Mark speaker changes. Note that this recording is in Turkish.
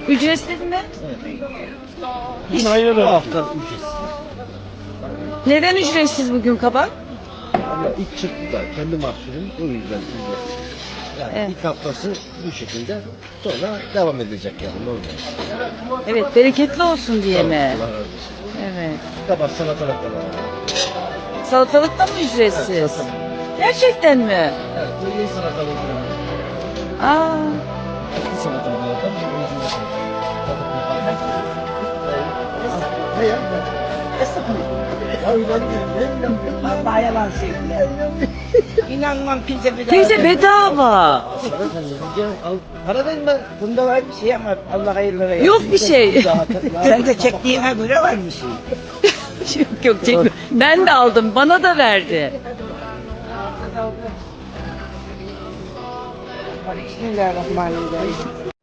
Speaker 1: Ücretsiz mi?
Speaker 2: Hayır. Hafta ücretsiz.
Speaker 1: Neden ücretsiz bugün kabak?
Speaker 2: Ama ilk çıktı da kendi mahsulüm o yüzden ücretsiz. Yani
Speaker 1: Evet.
Speaker 2: ilk haftası bu şekilde sonra devam edecek yani normal.
Speaker 1: Evet, bereketli olsun diye mi?
Speaker 2: Allah razı olsun.
Speaker 1: Evet.
Speaker 2: Kabak salatalık da var.
Speaker 1: Salatalık da mı ücretsiz? Gerçekten mi?
Speaker 2: Evet, bu iyi salatalık da var.
Speaker 1: Aa,
Speaker 2: Eski salatalık da var. Ne ya?
Speaker 3: Vallahi yalan söylüyor. İnanmam kimse bir
Speaker 1: teyze bedava.
Speaker 2: Para verme.
Speaker 3: Bunda var bir şey ama Allah hayırlı versin.
Speaker 1: Yok bir şey.
Speaker 3: Sen de çektiğine göre var bir şey.
Speaker 1: Yok çekme. Ben de aldım. Bana da verdi.
Speaker 3: Bismillahirrahmanirrahim.